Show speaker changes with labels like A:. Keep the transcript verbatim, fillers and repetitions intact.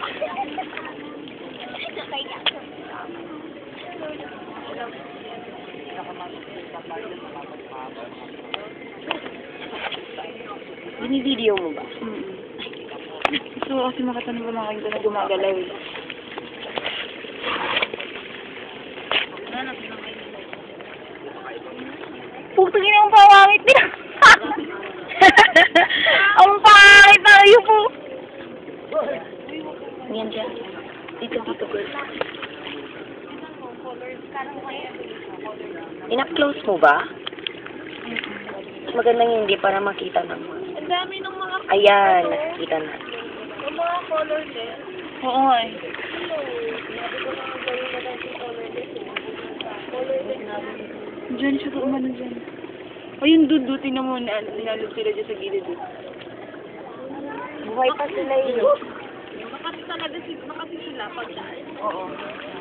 A: Bini-video mo ba? Mm-hmm. Gusto ko kasi makatanong ba mga na gumagalaw eh. Pugtugin ang pawangit niya. Ang pangit na kayo po. Yan dyan. Dito, dito, girl. Ina-close mo ba? Magandang hindi para makita naman.
B: Ang dami ng mga
A: Ayan, nakikita na.
B: yung mga color din.
A: Oo nga eh. Diyan siya kung ano dyan. O yung duduti na mo, ninalog sila dyan sa gilid. Buhay pa sila yun.
B: Makasi talaga sila, makasi sila pag
A: Oo.